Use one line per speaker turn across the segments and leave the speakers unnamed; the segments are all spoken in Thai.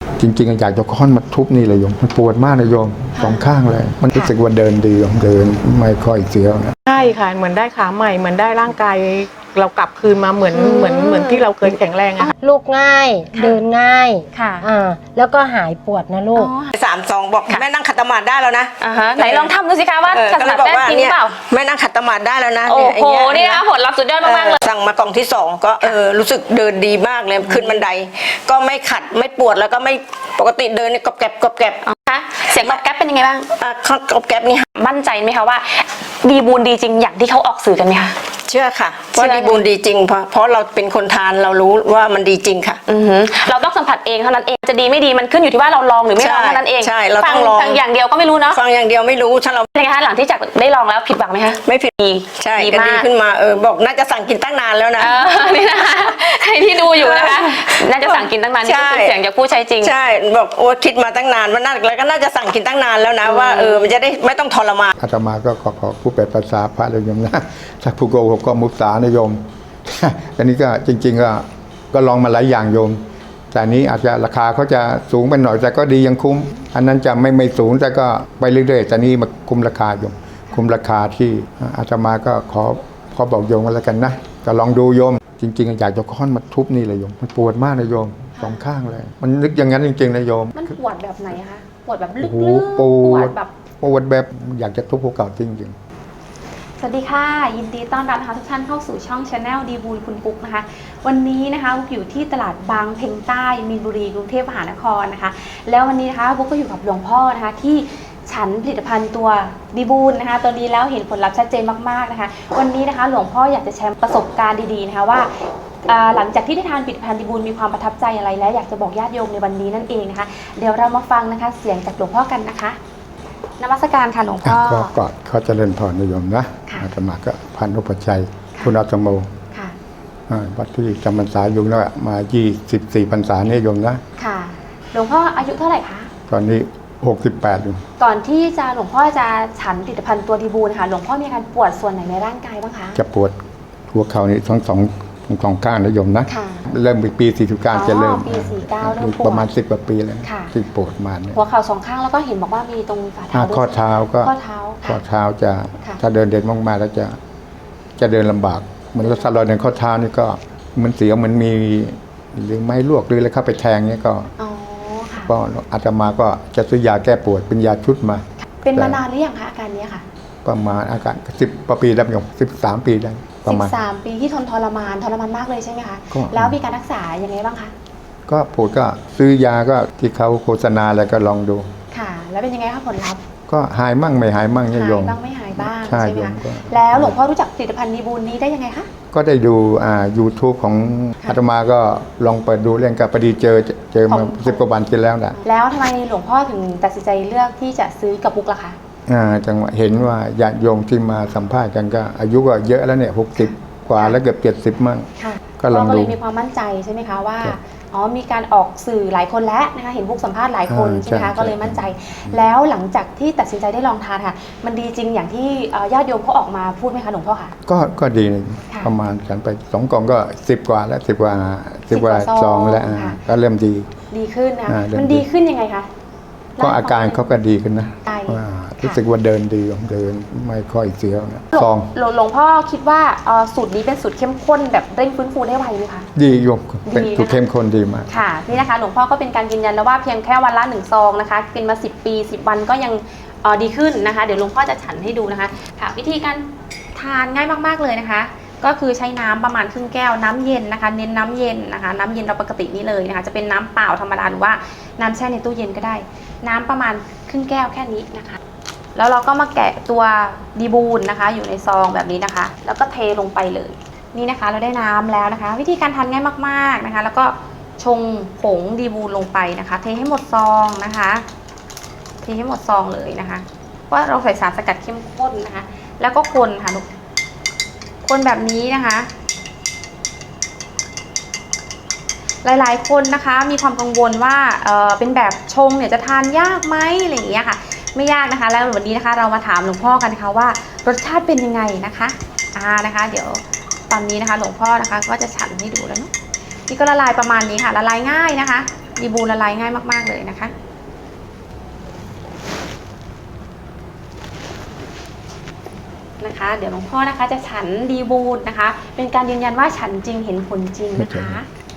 จริงๆอยากจะค้อนมาทุบนี่เลยโยมมันปวดมากนะโยมสองข้างเลยมันรู้สึกว่าเดินดีโยมเดินไม่ค่อยเสียวนะ
ใช่ค่ะเหมือนได้ขาใหม่เหมือนได้ร่างกายเรากลับคืนมาเหมือนที่เราเคยแข็งแรงอะค่ะ
ลูกง่ายเดินง่าย
ค่ะ
แล้วก็หายปวดนะลูก
3 บอกแม่นั่งขัดสมาธิได้แล้วนะ
ไหนลองทำดูสิคะว่าขัดสมาธิได้จริงหรือเปล่า
แม่นั่งขัดสมาธิได้แล้วนะ
โอ้โหนี่นะผลลัพธ์สุดยอดมากๆเลย
สั่งมากล่องที่2ก็รู้สึกเดินดีมากเลยขึ้นบันไดก็ไม่ขัดไม่ปวดแล้วก็ไม่ปกติเดินกรอบแกรบกรอบแกรบ
คะเสียงกรอบแกรบเป็นยังไงบ้าง
กรอบแกรบนี่
มั่นใจไหมคะว่าดีบูนดีจริงอย่างที่เขาออกสื่อกันไหมคะ
เชื่อค่ะว่าดีบูนดีจริงเพราะเราเป็นคนทานเรารู้ว่ามันดีจริงค่ะ
เราต้องสัมผัสเองเท่านั้นเองจะดีไม่ดีมันขึ้นอยู่ที่ว่าเราลองหรือไม่ลองเท่านั้นเอง
ใช่เราต้องลอง
ฟังอย่างเดียวก็ไม่รู้เนาะ
ฟังอย่างเดียวไม่รู้ถ้าเรา
เป็นไงคะหลังที่จากได้ลองแล้วผิดหวังไหมคะ
ไม่ผิด
ดี
ใช่ก็ดีขึ้นมาบอกน่าจะสั่งกินตั้งนานแล้วนะ
นี่นะคะใครที่ดูอยู่นะคะน่าจะสั่งกินตั้งนานนี่คือเสียงจากผู้ใช้จริง
ใช่บอกโอ้คิดมาตั้งนานว่าน่าแล้วก็น่าจะสั่งกินตั้งนานแล้วนะว่ามันจะได้ไม่ต้องทรมาน
อาตมาก็ขอผู้แปลภาษาพระเลยโยมนะถ้าผู้โกหกก็มุสานะโยมอันนี้ก็จริงๆก็ลองมาหลายอย่างโยมแต่นี้อาจจะราคาเขาจะสูงไปหน่อยแต่ก็ดียังคุ้มอันนั้นจะไม่สูงแต่ก็ไปเรื่อยๆแต่นี้มาคุ้มราคาโยมคุ้มราคาที่อาตมาก็ขอบอกโยมกันแล้วกันนะก็ลองดูโยมจริงๆอยากจะค้อนมาทุบนี่เลยโยมมันปวดมากนะโยมสองข้างเลยมันนึกอย่างนั้นจริงๆนะโยม
มันปวดแบบไหนคะปวดแบบลึก
ๆปวดแบบอยากจะทุบภูเขาจริงๆ
สวัสดีค่ะยินดีต้อนรับนะคะทุกท่านเข้าสู่ช่อง Channel ดีบูลคุณปุ๊กนะคะวันนี้นะคะบุ๊กอยู่ที่ตลาดบางเพ็งใต้มีนบุรีกรุงเทพมหานครนะคะแล้ววันนี้นะคะบุ๊กก็อยู่กับหลวงพ่อนะคะที่ฉันผลิตภัณฑ์ตัวดีบูลนะคะตัวนี้แล้วเห็นผลลัพธ์ชัดเจนมากๆนะคะวันนี้นะคะหลวงพ่ออยากจะแชร์ประสบการณ์ดีๆนะคะว่าหลังจากที่ได้ทานผลิตภัณฑ์ดีบูลมีความประทับใจอะไรและอยากจะบอกญาติโยมในวันนี้นั่นเองนะคะเดี๋ยวเรามาฟังนะคะเสียงจากหลวงพ่อกันนะคะนมัสการค่ะหลวงพ่อ
ก็เขาเจริญพรนิยมนะอาตมาก็พันธุปชัยคุณอาตโมวัดที่จำพรรษาอยู่แล้วมา24 พรรษาเนี่ยโยมนะ
ค่ะหลวงพ่ออายุเท่าไหร่คะ
ตอนนี้68อยู่
ก่อนที่จะหลวงพ่อจะฉันผลิตภัณฑ์ตัวดีบูลค่ะหลวงพ่อมีอาการปวดส่วนไหนในร่างกายบ้างคะ
จะปวดหัวเข่านี่ทั้งสองข้างนะโยมนะเริ่มปี49จะเริ่ม
ปี49เริ่มปวด
ประมาณ10 กว่าปีแล้วที่ปวดมาเนี่ย
หัวเข่า2 ข้างแล้วก็เห็นบอกว่ามีตรงฝ่าเท้า
ข้อเท้าก็ข้อเท้าจะถ้าเดินมากๆแล้วจะเดินลำบากเหมือนรถสลอยในข้อเท้านี่ก็มันเสียวเหมือนมีหรือไม้ลวกหรืออะไรเข้าไปแทงเนี่ยก็อาตมาก็จะซื้อยาแก้ปวดเป็นยาชุดมา
เป็นมานานหรือยังคะอาการนี้ค่ะ
ประมาณอาการ10 ปีแล้วโยม13 ปีได้ประมาณ
13 ปีที่ทรมานมากเลยใช่ไหมคะแล้วมีการรักษายังไงบ้างคะ
ก็ปวดก็ซื้อยาก็ที่เขาโฆษณาแล้วก็ลองดู
ค่ะแล้วเป็นยังไงคะผลลัพธ์
ก็หายมั่งไม่หายมั่งโยม
หายบ้างไม่หายบ้างใช่ไหมคะแล้วหลวงพ่อรู้จักผลิตภัณฑ์ดีบูลนี้ได้ยังไงคะ
ก็ได้ดูYouTube ของอาตมาก็ลองเปิดดูเรื่องกับพอดีเจอมา10 กว่าวันที่แล้วนะ
แล้วทำไมหลวงพ่อถึงตัดสินใจเลือกที่จะซื้อกับบุ๊กล่ะคะ
จังหวะเห็นว่าญาติโยมที่มาสัมภาษณ์กันก็อายุก็เยอะแล้วเนี่ย60 กว่าแล้วเกือบ70 มั่ง
ก็ลองดูก็เลยมีความมั่นใจใช่ไหมคะว่ามีการออกสื่อหลายคนแล้วนะคะเห็นบุ๊กสัมภาษณ์หลายคนใช่ไหมคะก็เลยมั่นใจแล้วหลังจากที่ตัดสินใจได้ลองทานค่ะมันดีจริงอย่างที่ญาติโยมเขาออกมาพูดไหมคะหลวงพ่อคะ
ก็ดีประมาณฉันไป2 กล่องก็10 กว่าแล้ว10 กว่าซองแล้วก็เริ่ม
ดีขึ้นนะมันดีขึ้นยังไงคะ
ก็อาการเขาก็ดีขึ้นนะรู้สึกว่าเดินดีเดินไม่ค่อยเสียวนะ
หลวงพ่อคิดว่าสูตรนี้เป็นสูตรเข้มข้นแบบเร่งฟื้นฟูได้ไวไหมคะ
ดีโยมเป็นสูตรเข้มข้นดีมาก
ค่ะนี่นะคะหลวงพ่อก็เป็นการยืนยันแล้วว่าเพียงแค่วันละ1 ซองนะคะกินมา10 ปี10 วันก็ยังดีขึ้นนะคะเดี๋ยวหลวงพ่อจะฉันให้ดูนะคะค่ะวิธีการทานง่ายมากๆเลยนะคะก็คือใช้น้ำประมาณครึ่งแก้วน้ำเย็นนะคะเน้นน้ำเย็นนะคะน้ำเย็นเราปกตินี่เลยนะคะจะเป็นน้ำเปล่าธรรมดาหรือว่าน้ำแช่ในตู้เย็นก็ได้น้ำประมาณครึ่งแก้วแค่นี้นะคะแล้วเราก็มาแกะตัวดีบูลนะคะอยู่ในซองแบบนี้นะคะแล้วก็เทลงไปเลยนี่นะคะเราได้น้ำแล้วนะคะวิธีการทานง่ายมากๆนะคะแล้วก็ชงผงดีบูลลงไปนะคะเทให้หมดซองนะคะเทให้หมดซองเลยนะคะว่าเราใส่สารสกัดเข้มข้นนะคะแล้วก็คนค่ะลูกคนแบบนี้นะคะหลายๆคนนะคะมีความกังวลว่าเป็นแบบชงเนี่ยจะทานยากไหมอะไรอย่างเงี้ยค่ะไม่ยากนะคะแล้ววันนี้นะคะเรามาถามหลวงพ่อกันค่ะว่ารสชาติเป็นยังไงนะคะนะคะเดี๋ยวตอนนี้นะคะหลวงพ่อนะคะก็จะฉันให้ดูแล้วเนาะนี่ก็ละลายประมาณนี้ค่ะละลายง่ายนะคะดีบูละลายง่ายมากๆเลยนะคะเดี๋ยวหลวงพ่อนะคะจะฉันดีบูนนะคะ เป็นการยืนยันว่าฉันจริงเห็นผลจริงนะคะ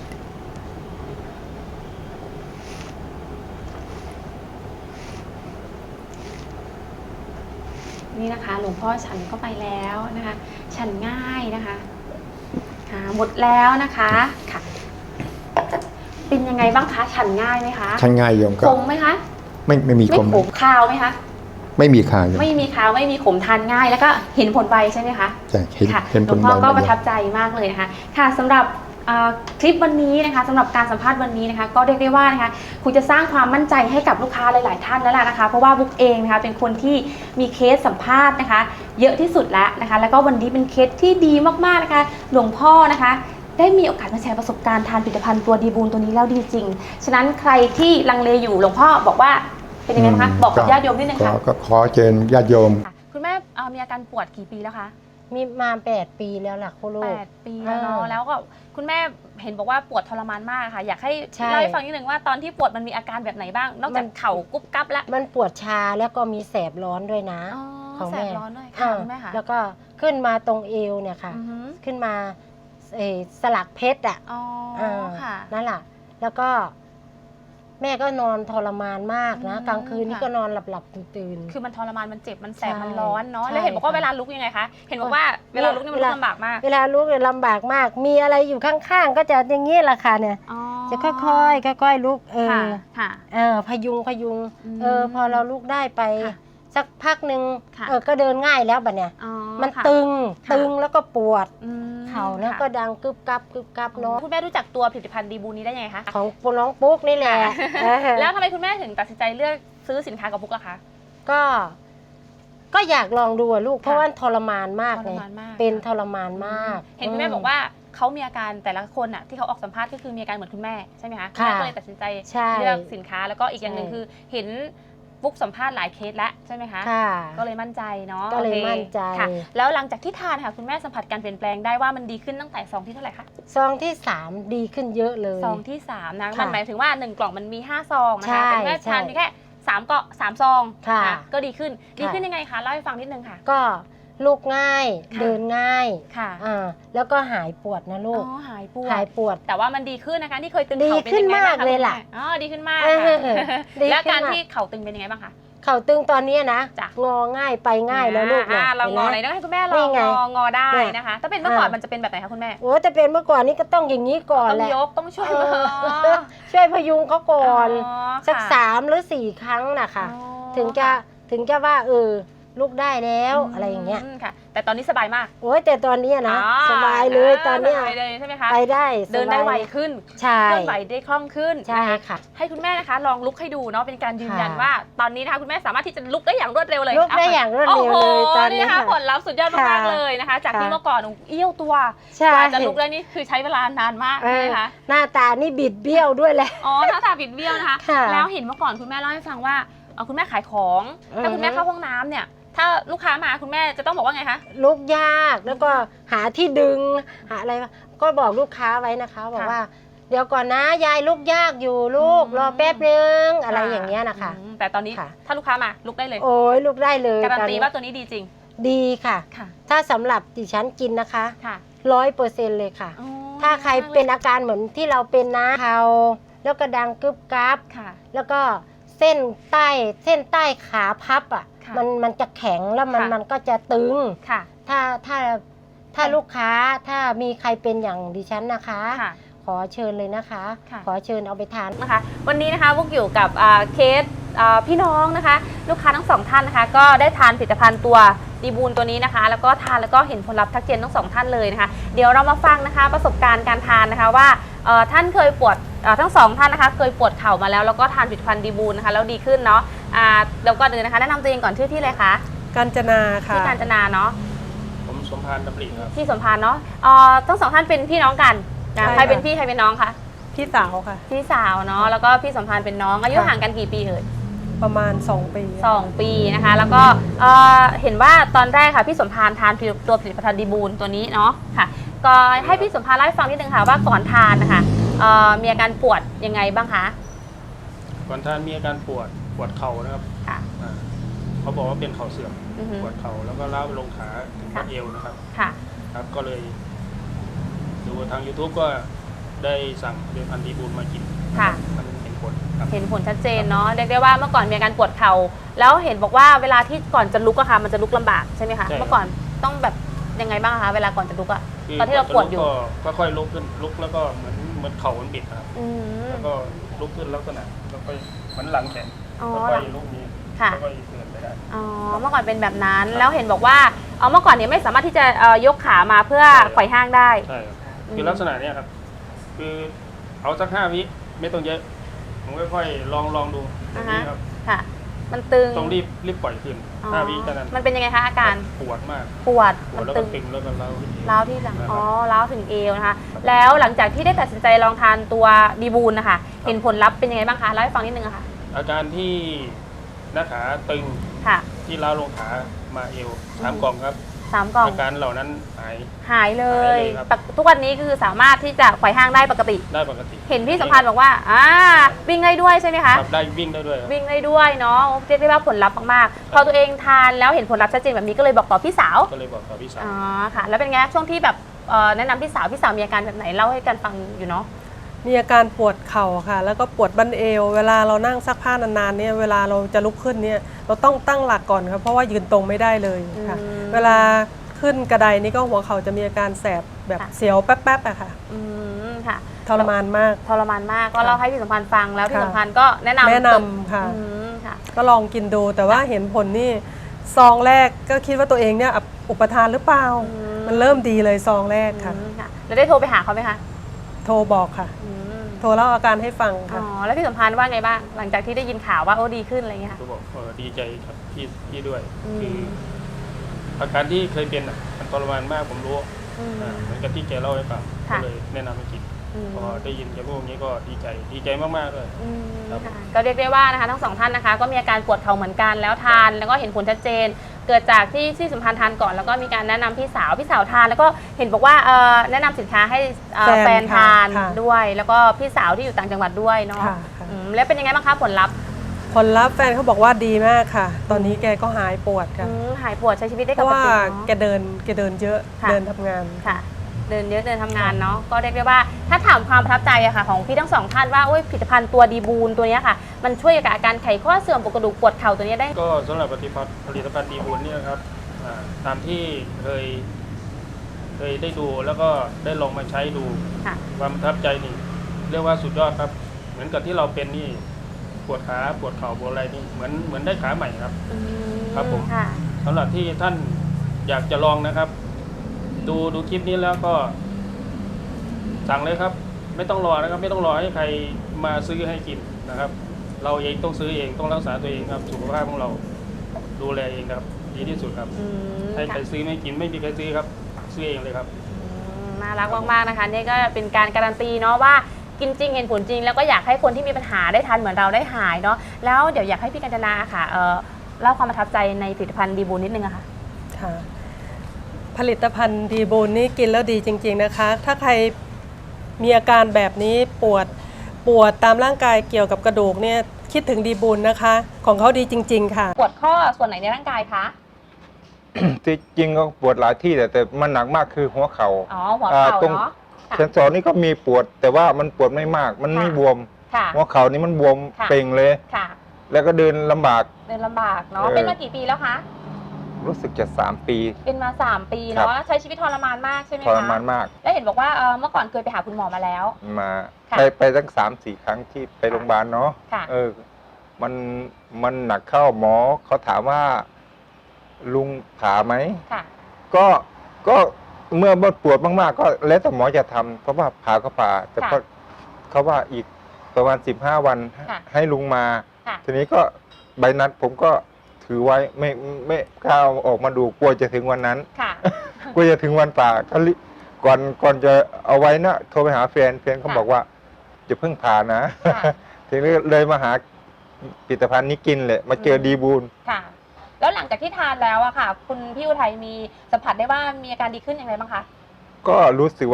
นี่นะคะหลวงพ่อฉันเข้าไปแล้วนะคะฉันง่ายนะคะหมดแล้วนะคะค่ะเป็นยังไงบ้างคะฉันง่ายไหมคะ
ฉันง่ายโยมก็
ขมไหมคะ
ไม่มี
ไม่
ขม
ขมคาวไหมคะ
ไม่มีคาโยม
ไม่มีคาวไม่มีขมทานง่ายแล้วก็เห็นผลไวใช่ไหมคะ
จะเห็น
ค่ะ
เห็น
ห
ผ
ลว
ล
งพ่อ
ไว
ก็
มา
ประ
เย
ทับ
อะ
ใจมากเลยนะคะค่ะสำหรับคลิปวันนี้นะคะสำหรับการสัมภาษณ์วันนี้นะคะก็เรียกได้ว่านะคะคุณจะสร้างความมั่นใจให้กับลูกค้าหลายๆท่านแล้วล่ะนะคะเพราะว่าบุ๊กเองนะคะเป็นคนที่มีเคสสัมภาษณ์นะคะเยอะที่สุดแล้วนะคะแล้วก็วันนี้เป็นเคสที่ดีมากๆนะคะหลวงพ่อนะคะได้มีโอกาสมาแชร์ประสบการณ์ทานผลิตภัณฑ์ตัวดีบูนตัวนี้แล้วดีจริงฉะนั้นใครที่ลังเลอยู่หลวงพ่อบอกว่าเป็นยังไงคะบอกกับญาติโยมนิดนึงค่ะ
ก็ขอเชิญญาติโยม
คุณแม่มีอาการปวดกี่ปีแล้วคะ
มีมา8 ปีแล้วล่ะคุณลูก
8 ปีแล้วเนาะแล้วก็คุณแม่เห็นบอกว่าปวดทรมานมากค่ะอยากให้
ใช่
เล่าให้ฟังนิดนึงว่าตอนที่ปวดมันมีอาการแบบไหนบ้าง นอกจากเข่ากุ๊บกั๊บแล้ว
มันปวดชาแล้วก็มีแสบร้อนด้วยนะ ของ
แส
แม่
บร้อนด้วยค่ะคุณแม่ค่ะ
แล้วก็ขึ้นมาตรงเอวเนี่ยค่ะ
อือฮึ
ขึ้นมาสลักเพชรอ่ะ
อ๋อ ค่ะ
นั่นแหละแล้วก็แม่ก็นอนทรมานมากนะ
อืม
กลางคืนนี่
ค่ะ
ก็นอนหลับตื่น
คือมันทรมานมันเจ็บมันแสบ
ใช่
มันร้อนเนาะ
ใช่
แล้วเห็นบอกว่า
ค่ะ
เวลาลุกยังไงคะเห็นบอกว่าเวลาลุกนี่มันลุกลำบากมาก
เวลาลุกเนี่ยลำบากมาก มีอะไรอยู่ข้างๆ ก็จะอย่างนี้แหละค่ะเนี่ย
อ๋อ
จะค่อยๆค่อยๆลุก
ค่ะค่ะ
พยุง
อืม
พอเราลุกได้ไป
ค่ะ
สักพักหนึ่ง
ค่ะ
ก็เดินง่ายแล้วบัดเนี่ย
อ๋อ
มัน
ค่ะ
ตึง
ค่ะ
ตึงแล้วก็ปวด
อืม
เข่าแล้ว
ค่ะ
ก็ดังกึบกับเนาะ
คุณแม่รู้จักตัวผลิตภัณฑ์ดีบูนี้ได้ยังไงคะ
ของน้องปุ๊กนี่แหละเออ
แล้วทำไมคุณแม่ถึงตัดสินใจเลือกซื้อสินค้ากับบุ๊กล่ะคะ
ก็อยากลองดูอะลูกเพราะว่าทรมานมาก
ท
เล
ร
ย
มานมาก
เป็นทรมานมาก
เห็นคุณแม่บอกว่าเขามีอาการแต่ละคนอ่ะที่เขาออกสัมภาษณ์ก็คือมีอาการเหมือนคุณแม่ใช่ไหมคะณ
ค่ะ
แม่ก็เลยตัดสินใจ
ใช่
เลือกสินค้าแล้วก็อีกอย่างหนึ่ง
ใช่
คือเห็นบุ๊กสัมภาษณ์หลายเคสแล้วใช่ไหมคะ
ค่ะ
ก็เลยมั่นใจเนาะ
ก็เลย
โอค
มั่นใจ
ค่ะ แล้วหลังจากที่ทานค่ะคุณแม่สัมผัสการเปลี่ยนแปลงได้ว่ามันดีขึ้นตั้งแต่ซองที่เท่าไหร่คะ
ซองที่ 3 ดีขึ้นเยอะเลย
ซองที่3นะ
ค่ะ
มันหมายถึงว่า1กล่องมันมี5ซองนะ
ใช่
คะแต่คุณแม่
ใช่
ทานเพียงแค่3ซอง
ค่ะ
นก็ดีขึ้น
ค่ะ
ดีขึ้นยังไงคะเล่าให้ฟังนิดนึงค่ะ
ก็ลุกง่าย
ค่ะ
เดินง่าย
ค่ะ
แล้วก็หายปวดนะลูก
หายปวด
หายปวด
แต่ว่ามันดีขึ้นนะคะที่เคยตึง
ดี
เข่าเป็น
ขึ้น
ยังไงบ้าง
มาก
คะ
เลยล่ะ
คุณแม่อ๋อดีขึ้นมาก
เอ
ค่ะ
ดี
แล้ว
ขึ้น
การ
ม
ที่เข่าตึงเป็นยังไงบ้างคะ
เข่าตึงตอนนี้นะ
จ้ะ
งอง่ายไปง่ายแล้วลูก
เรางอไหน
ห็หม
ต้องให้คุณแม่ล
นี่
อง
ไง
งอได้
เนี่ย
นะคะ ถ้าเป็นเมื่อก่อน
อ่ามั
มันจะเป็นแบบไหนคะคุณแม่
โอ้แต่เป็นเมื่อก่อนนี้ก็ต้องอย่างนี้ก่อน
ต้อง
แหละ
ยกต้องช่วย
เอ
มือ
อช่วยพยุงเขาก่อน
อ๋อ
สัก
ค่ะ
3 หรือ 4 ครั้งนะคะ
อ๋อ
ถึงจะว่าลุกได้แล้วอะไรอย่างเงี้ย
ค่ะ แต่ตอนนี้สบายมาก
โอ้ยแต่ตอนเนี้ยนะ
อ๋อ
สบายเลยตอนเนี้ย
สบายเลยใช่ไหมคะ
ไปได้สบาย
เดินได้ไวขึ้น
ใช่
เคลื่อนไหวได้คล่องขึ้น
ใช่
นะคะ
ค่ะ
ให้คุณแม่นะคะลองลุกให้ดูเนาะเป็นการยืนยัน
ค่ะ
ว่าตอนนี้นะคะคุณแม่สามารถที่จะลุกได้อย่างรวดเร็วเลย
ลุกได้อย่างรวดเร็วเลยตอนนี้
โโหนะคะ
ค่ะ
ผลลัพธ์สุดยอดมาก
ค่ะ
ๆเลยนะคะ จากที่
ค่ะ
เมื่อก่อนเอี้ยวตัว
ใช่
กว่าจะลุกได้นี่คือใช้เวลานานมาก
เอ
ใช่ไห
อ
มคะ
หน้าตานี่บิดเบี้ยวด้วยแหละ
อ๋อหน้าตาบิดเบี้ยวนะคะ
ค่ะ
แล้วเห็นเมื่อก่อนคุณแม่เล่าให้ฟังว่าคุณแม่ขายของ ถ้าคุณแม่เข้าห้องน้ำเนี่ย ถ้าลูกค้ามาคุณแม่จะต้องบอกว่าไงคะ
ลุกยากแล้วก็หาที่ดึงหาอะไรก็บอกลูกค้าไว้นะคะบอกว่า เดี๋ยวก่อนนะยายลุกยากอยู่ลูก
อืม
รอแป๊บนึงอะไรอย่างเงี้ยนะคะ
แต่ตอนนี้
ค่ะ
ถ้าลูกค้ามาลุกได้เลย
โอ้ยลุกได้เลย
การัน
ตอ
ตีว่าตัวนี้ดีจริง
ดีค่ะ
ค่ะ
ถ้าสำหรับดิฉันกินนะคะ
ค่ะ
100%เลยค่ะ
อ๋อ
ถ้าใครเป็นอาการเหมือนที่เราเป็นนะเข่าแล้วก็ดังกึบกับ
ค่ะ
แล้วก็เส้นใต้ขาพับอ่ะ
ค่ะ
มันจะแข็งแล้ว
ค่ะ
มันก็จะตึง
ค่ะ
ถ้าลูกค้าถ้ามีใครเป็นอย่างดิฉันนะคะ
ค่ะ
ขอเชิญเลยนะคะ
ค่ะ
ขอเชิญเอาไปทาน
นะคะวันนี้นะคะพวกอยู่กับเคสพี่น้องนะคะ ลูกค้าทั้งสองท่านนะคะ ก็ได้ทานผลิตภัณฑ์ตัวดีบูนตัวนี้นะคะ แล้วก็ทานแล้วก็เห็นผลลัพธ์ทักเจนทั้งสองท่านเลยนะคะ เดี๋ยวเรามาฟังนะคะประสบการณ์การทานนะคะว่าท่านเคยปวดทั้งสองท่านนะคะเคยปวดเข่ามาแล้วก็ทานผลิตภัณฑ์ดีบูนนะคะแล้วดีขึ้นเนาะเดี๋ยวก่อนอื่นนะคะแนะนำตัวเองก่อนชื่อที่เลยคะ
กาญจนาค่ะ
ที่กาญจนาเนาะ
ผมสมพานดำริครับ
ที่สมพานเนาะทั้งสองท่านเป็นพี่น้องกันนะ
ใช่ค่ะ
ใครเป็นพี่ใครเป็นน้องคะ
พี่สาวค่ะ
พี่สาวเนาะแล้วก็พี่สมพานเป็นน้องอายุ
ค่ะ
ห่างกันกี่ปีเอ่ย
ประมาณ 2 ปี
2 ปีนะคะแล้วก็เห็นว่าตอนแรกค่ะพี่สมพานทานตัวผลิตภัณฑ์ดีบูนตัวนี้เนาะค่ะก็ให้พี่สมพานเล่าให้ฟังนิดนึงค่ะว่าก่อนทานนะคะมีอาการปวดยังไงบ้างคะ
ก่อนท่านมีอาการปวดเข่านะครับ
ค่ะ
เขาบอกว่าเป็นเข่าเสื่อม
อือฮึ
ปวดเข่าแล้วก็ล้าวไปลงขาถึง
ค่ะ
บัดเอวนะครับ
ค่ะ
ครับก็เลยดูทาง YouTube ก็ได้สั่งผลิตภัณฑ์ดีบูลมากิน
ค่ะ
มันเห็นผลครับ
เห็นผลชัดเจนเนาะเรียกได้ว่าเมื่อก่อนมีอาการปวดเข่าแล้วเห็นบอกว่าเวลาที่ก่อนจะลุกอะค่ะมันจะลุกลำบากใช่ไหมคะ
ใช่ครับ
เมื่อก่อนต้องแบบยังไงบ้างคะเวลาก่อนจะลุกอะ
คือ
ตอนที่เราปวดอยู่
ก็ค่อยลุกขึ้นลุกแล้วก็เหมือนเข่ามันบิดนะครับ
อืม
แล้วก็ลุกขึ้นลักษณะแล้วก็เหมือนหลังแขน
อ๋อ
แล้วก็ลุกนี้
ค่ะ
แล้วก็เดินไปได้
อ๋อเมื่อก่อนเป็นแบบนั้นแล้วเห็นบอกว่าเมื่อก่อนเนี่ยไม่สามารถที่จะยกขามาเพื่อ
ใช่ครับ
ไขว่ห้างได้
ใช่ครับ
อืม
คือลักษณะเนี้ยครับ คือเอาสัก5 วิไม่ต้องเยอะผมค่อยๆลองดูอย่างนี้ครับ
ค่ะ มันตึง
ต้องรีบปล่อยขึ้น
อ๋อ
5 วิแค่นั้น
มันเป็นยังไงคะอาการ
ปวดมาก
ปวด
ปว
มั
ด
น
แล้ว
ตึ
ก็
ง
ตึงแล้วก็เล้าขึ้น
ร้าวที่หลัง
นะครับ
อ๋อร้าวถึงเอวนะคะแล้วหลังจากที่ได้ตัดสินใจลองทานตัวดีบูลนะคะเห็นผลลัพธ์เป็นยังไงบ้างคะเล่าให้ฟังนิดนึงอะค่ะ
อาการที่หน้าขาตึง
ค่ะ
ที่ล้าวลงขามาเอว3 กล่องครับ
3 กล่อง
อาการเหล่านั้นหาย
หายเล
หายเลย ยครับ
ทุกวันนี้คือสามารถที่จะไขว่ห้างได้ปกติ
ได้ปกติ
เห็นพี่สัมพันธ์บอกว่าวิ่งได้ด้วยใช่ไหมคะ
ครับได้วิ่งได้ด้วยครับ
วิ่งได้ด้วยเนาะเรียกได้ว่าผลลัพธ์มากๆพอตัวเองทานแล้วเห็นผลลัพธ์ชัดเจนแบบนี้ก็เลยบอกต่อพี่สาว
ก็เลยบอกกับพี่สาว
อ๋อค่ะ แล้วเป็นไงช่วงที่แบบแนะนำพี่สาวมีอาการแบบไหนเล่าให้กันฟังอยู่เนาะ
มีอาการปวดเข่าค่ะ แล้วก็ปวดบั้นเอว เวลาเรานั่งซักผ้านานๆเนี่ยเวลาเราจะลุกขึ้นเนี่ยเราต้องตั้งหลักก่อนครับเพราะว่ายืนตรงไม่ได้เลยค่ะ
อืม
เวลาขึ้นกระไดนี่ก็หัวเข่าจะมีอาการแสบแบบ
ค่ะ
เสียวแป๊บๆอะค่ะ
ค่ะ
ทรมานมาก
ทรมานมากก็เล่าให้พี่สัมพันธ์ฟังแล้วพี่
ค่ะ
สัมพันธ์ก็แนะนำ
แนะนำค่ะ
ค่ะ
ก็ลองกินดูแต่ว่าเห็นผลนี่ซองแรกก็คิดว่าตัวเองเนี่ยอุปทานหรือเปล่า
อืม
มันเริ่มดีเลยซองแรกค่ะ
ค่ะแล้วได้โทรไปหาเขาไหมคะ
โทรบอกค่ะ
อืม
โทรเล่าอาการให้ฟัง
อ๋
ค่ะ
อแล้วพี่สัมพันธ์ว่าไงบ้างหลังจากที่ได้ยินข่าวว่าโอ้ดีขึ้นอะไรอย่างเงี้ยค่ะ
ก็บอกดีใจครับพี่ด้วย
อืม
คืออาการที่เคยเป็นมันทรมานมากผมรู้
อืม
เหมือนกับที่แกเล่าให้ฟังก็
ค่ะ
เลยแนะนำให้กิน
อืม
พอได้ยินแกพูดอย่างนี้ก็ดีใจมากๆเลย
อืม
ครับ
ค่ะก็เรียกได้ว่านะคะทั้งสองท่านนะคะก็มีอาการปวดเข่าเหมือนกันแล้วทานแล้วก็เห็นผลชัดเจน เกิดจากที่สัมพันธ์ทานก่อนแล้วก็มีการแนะนำพี่สาวทานแล้วก็เห็นบอกว่าแนะนำสินค้าให้แฟนทาน
ค่ะ
ด้วย แล้วก็พี่สาวที่อยู่ต่างจังหวัดด้วยเนาะ
ค่ะ
แล้วเป็นยังไงบ้างคะผลลัพธ์
ผลลัพธ์แฟนเขาบอกว่าดีมากค่ะ ตอนนี้แกก็หายปวดค่ะ
หายปวดใช้ชีวิตได้
เพ
ป
ราะ
ก
ว่า
ติ
แก
เนาะ
เดินเยอะ
ค่ะ
เดินทำงาน
ค่ะ เดินเยอะเดินทำงานเนาะก็เรียกได้ว่าถ้าถามความประทับใจอะค่ะของพี่ทั้งสองท่านว่าโอ้ยผลิตภัณฑ์ตัวดีบูลตัวเนี้ยค่ะ มันช่วยกับอาการไขข้อเสื่อมปวดกระดูกปวดเข่าตัวเนี้ยได้
ก็สำหรับผลิตภัณฑ์ดีบุญเนี่ยนะครับตามที่เคยได้ดูแล้วก็ได้ลองมาใช้ดู
ค่ะ
ความประทับใจนี่เรียกว่าสุดยอดครับ เหมือนกับที่เราเป็นนี่ปวดขาปวดเข่าปวดอะไรนี่เหมือนได้ขาใหม่ครับ ครับผม
ค่ะ
สำหรับที่ท่านอยากจะลองนะครับ ดูคลิปนี้แล้วก็สั่งเลยครับ ไม่ต้องรอนะครับ ไม่ต้องรอให้ใครมาซื้อให้กินนะครับ เราเองต้องซื้อเองต้องรักษาตัวเองครับสุขภาพของเราดูแลเองครับ ดีที่สุดครับให้ใครซื้อไม่กินไม่มีใครซื้อครับ ซื้อเองเลยครับ
น่ารักมากๆนะคะนี่ก็เป็นการการันตีเนาะว่ากินจริงเห็นผลจริง แล้วก็อยากให้คนที่มีปัญหาได้ทานเหมือนเราได้หายเนาะแล้วเดี๋ยวอยากให้พี่กัญจนาค่ะเล่าความประทับใจในผลิตภัณฑ์ดีบูลนิดนึงอะค่ะ
ค่ะ ผลิตภัณฑ์ดีบูลนี่กินแล้วดีจริงๆนะคะ ถ้าใครมีอาการแบบนี้ปวดตามร่างกายเกี่ยวกับกระดูกเนี่ยคิดถึงดีบูลนะคะ ของเขาดีจริง ๆ ค่ะ
ปวดข้อส่วนไหนในร่างกายคะ
ที่จริงก็ปวดหลายที่แต่มันหนักมากคือหัวเขา
อ๋อหัวเข่า
ตรง
เนาะค่ะ
เซนสอนนี่ก็มีปวด แต่ว่ามันปวดไม่มาก มันไม่
ค่ะ
บวม
ค่ะ
หัวเข่านี่มันบวม
ค่ะ
เป่งเลย
ค่ะ
แล้วก็เดินลำบาก
เดินลำบากเนาะ
เออ
เป็นมากี่ปีแล้วคะ
รู้สึกจะ3 ปี
เป็นมา3 ปี
ครั
เนาะ
บ
ใช้ชีวิตทรมานมากใช่ไหม
ท
คะ
รมานมาก
แล้วเห็นบอกว่าเมื่อก่อนเคยไปหาคุณหมอมาแล้ว
มา
ค่ะ
ไปตั้ง3-4 ครั้งที่ไปโรงพยาบาลเนาะ
ค่ะ
มันหนักเข้าหมอเขาถามว่าลุงผ่าไหม
ค่ะ
ก็เมื่อปวดมากๆก็แล้วแต่หมอจะทำเพราะว่าผ่าก็ผ่า แต่
ค่ะ
ก็เขาว่าอีกประมาณ15 วัน
ค่ะ
ให้ลุงมา
ค่ะ
ทีนี้ก็ใบนัดผมก็ถือไว้ไม่กล้าเอาออกมาดูกลัวจะถึงวันนั้น
ค่ะ
กลัวจะถึงวันผ่าก็ก่อนจะเอาไว้นะโทรไปหาแฟนเขา
ค่ะ
บอกว่าจะเพิ่งผ่านะ
ค่ะ
ทีนี้เลยมาหาผลิตภัณฑ์นี้กินเลยมาเจอดีบูล
ค่ะ แล้วหลังจากที่ทานแล้วอะค่ะ คุณพี่อุทัยมีสัมผัสได้ว่ามีอาการดีขึ้นอย่างไรบ้างคะ
ก็รู้สึกว่า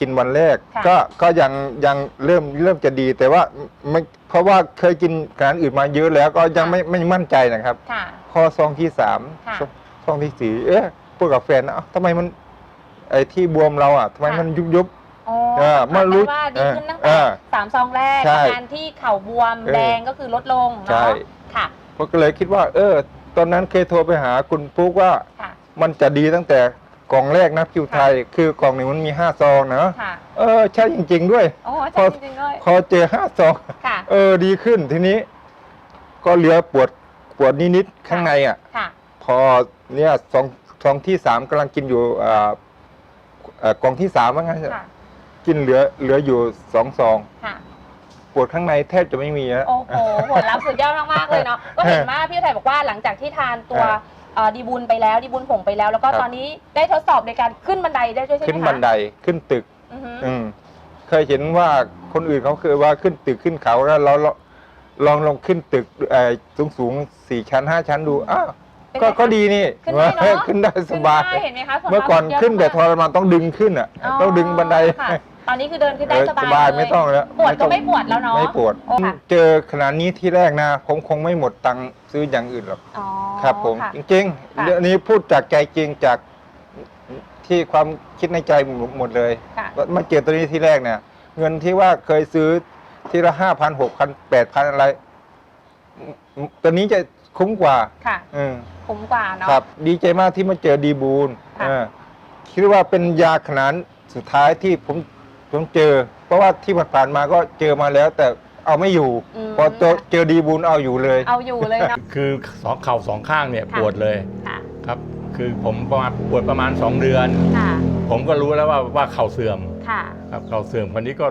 กินวันแรก
ค่ะ
ก็ยังเริ่มจะดีแต่ว่าไม่เพราะว่าเคยกินอาหารอื่นมาเยอะแล้วก็ยังไม่มั่นใจนะครับ
ค่ะ
ข้อซองที่สาม
ค่ะ
ซองที่สี่พูดกับแฟนนะทำไมมันไอ้ที่บวมเราทำไมมันยุบ
อ๋อ
เมื่อรู้
สัมผัสได้ว่าดีขึ้นตั้ง
เอ
แต่
อ
3 ซองแรก
ใช่
อาการที่เข่าบวมแดงก็คือลดลง
ใช่
เนาะค่ะ
ผมก็เลยคิดว่า ตอนนั้นเคยโทรไปหาคุณปุ๊กว่า
ค่ะ
มันจะดีตั้งแต่กล่องแรกนะคิวไทย คือกล่องหนึ่งมันมี5 ซองนะ
ค่ะ
ใช่จริง ๆ ด้วย
โอ้ใช่จริงๆด้วย
พอเจอ5 ซอง
ค่ะ
ดีขึ้นทีนี้ ก็เหลือปวดนิดๆข้างใน
ค่ะ
พอเนี่ยซองที่3กำลังกินอยู่กล่องที่3ว่างั้น
ค่ะ
กินเหลืออยู่2 ซอง
ค่ะ
ปวดข้างในแทบจะไม่มีแล้ว
โอ้โหผลลัพธ์สุดยอดมากๆเลยเนาะ ก็เห็นว่าพี่อุทัยบอกว่าหลังจากที่ทานตัวดีบุญไปแล้วดีบุญผงไปแล้ว แล้วก็
ครับ
ตอนนี้ได้ทดสอบในการขึ้นบันไดได้ด้วยใช่ไหมคะ
ขึ้นบันไดขึ้นตึก
อือฮึ
เคยเห็นว่าคนอื่นเขาเคยว่าขึ้นตึกขึ้นเขาแล้วเราลองขึ้นตึกสูง 4 ชั้น 5 ชั้นดูอ้าว
เป็นไงคะ
ก็ดีนี่
ขึ้นได้เนอะ
ขึ้นได้สบาย
ขึ้นได้เห็นไหมคะผลลัพธ์
เมื่อก่อน
สุดยด
ขึ้นแต่ท
มาก
รมานต้องดึงขึ้นต้องดึงบันได
ค่ะตอนนี้คือเดินขึ้นได้ส
ส
บา
บาย
ยเลย
ไม่ต้องแล้ว
ปวดก็
ต้อง
ไม่ปวดแล้วเนาะ
ไม่ปวด
โอ้ค่ะ
เจอขนาดนี้ที่แรกนะผมคงไม่หมดตังค์ซื้ออย่างอื่นหรอก
อ๋อ
ครับผม
ค่ะ
จริง
ค่ะ
ๆเรื่องนี้พูดจากใจจริงจากที่ความคิดในใจหมดเลย
ค่ะ
มาเจอตัวนี้ที่แรกเนี่ย เงินที่ว่าเคยซื้อทีละ5,000 6,000 8,000อะไรตัวนี้จะคุ้มกว่า
ค่ะ
อืม
คุ้มกว่าเนาะ
ครับ ดีใจมากที่มาเจอดีบูล
ค่ะ
คิดว่าเป็นยาขนาดสุดท้ายที่ผมเจอ เพราะว่าที่ผ่านๆมาก็เจอมาแล้ว แต่เอาไม่อยู่ พอเจอดีบูลเอาอยู่เลย
เอาอยู่เลยเนาะ
คือเข่า2 ข้างเนี่ย
ค่ะ
ปวดเลย
ค่ะ
ครับ คือผมปวดประมาณ 2 เดือน
ค่ะ
ผมก็รู้แล้วว่าเข่าเสื่อม
ค่ะ
ครับเข่าเสื่อมคนนี้ก็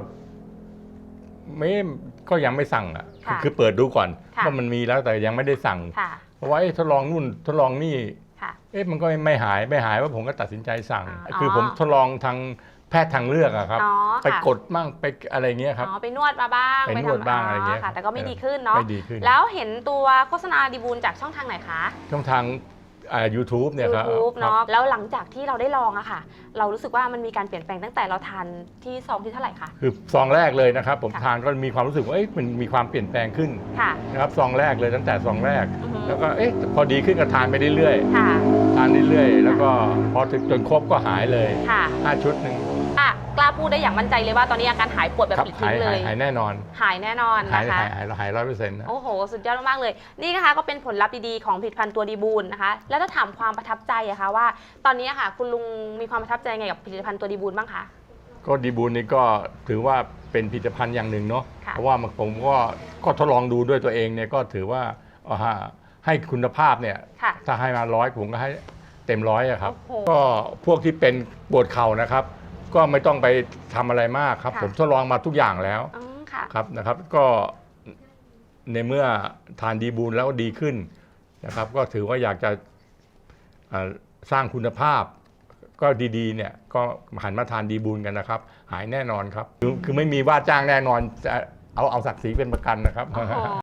ก็ยังไม่สั่งอ่ะ
ค่ะ
คือเปิดดูก่อน
ค่ะ
ว่ามันมีแล้วแต่ยังไม่ได้สั่ง
ค่ะ
เพราะว่าทดลองนู่นทดลองนี่
ค่ะ
มันก็ไม่หายว่าผมก็ตัดสินใจสั่ง
อ๋อ
คือผมทดลองทางแพทย์ทางเลือกอะครับ
อ๋อ
ไป
ค่ะ
กดมั่งไปอะไรเงี้ยครับ
อ๋อไปนวดมาบ้าง
ไปนวดบ้างอะไรเงี้ย
ค่ะ แต่ก็ไม่ดีขึ้นเนาะ
ไม่ดีขึ้น
แล้วเห็นตัวโฆษณาดีบูลจากช่องทางไหนคะ
ช่องทางYouTube เนี่ยครับ
YouTube
ครับ
เนาะแล้วหลังจากที่เราได้ลองอะค่ะ เรารู้สึกว่ามันมีการเปลี่ยนแปลงตั้งแต่เราทานที่ซองที่เท่าไหร่คะ
คือซองแรกเลยนะครับ ผม
ค่ะ
ทานก็มีความรู้สึกว่ามันมีความเปลี่ยนแปลงขึ้น
ค่ะ
นะครับซองแรกเลยตั้งแต่ซองแรก
อือฮึ
แล้วก็พอดีขึ้นก็ทานไปเรื่อย
ค่ะ
ๆทานเรื่อยๆแล้วก็พอถึงจนครบก็หายเลย
ค่ะ
5 ชุดหนึ่ง
กล้าพูดได้อย่างมั่นใจเลยว่าตอนนี้อาการหายปวดแบบ
ครับ
ปลิดทิ้งเลย
หายแน่นอน
หายแน่นอน
หาย
นะคะ
100%นะ
โอ้โห สุดยอดมากๆเลย นี่นะคะก็เป็นผลลัพธ์ดีๆของผลิตภัณฑ์ตัวดีบูลนะคะ แล้วถ้าถามความประทับใจอะคะว่า ตอนนี้อะค่ะ คุณลุงมีความประทับใจไงกับผลิตภัณฑ์ตัวดีบูลบ้างคะ
ก็ดีบูลนี่ก็ถือว่าเป็นผลิตภัณฑ์อย่างหนึ่งเนาะ
ค่ะ
เพราะว่าผมก็ทดลองดูด้วยตัวเองเนี่ยก็ถือว่าให้คุณภาพเนี่ย
ค่ะ
ถ้าให้มา100ผมก็ให้เต็ม100อะครับ
โอ้โห
ก็พวกที่เป็นปวดเข่านะครับ ก็ไม่ต้องไปทำอะไรมากครับ
ค่ะ
ผมทดลองมาทุกอย่างแล้ว
ค่ะ
ครับนะครับ ก็ในเมื่อทานดีบูลแล้วดีขึ้นนะครับ ก็ถือว่าอยากจะสร้างคุณภาพ ก็ดีๆเนี่ยก็หันมาทานดีบูลกันนะครับ หายแน่นอนครับคือไม่มีว่าจ้างแน่นอนจะเอาศักดิ์ศรีเป็นประกันนะครับ
โอ้โห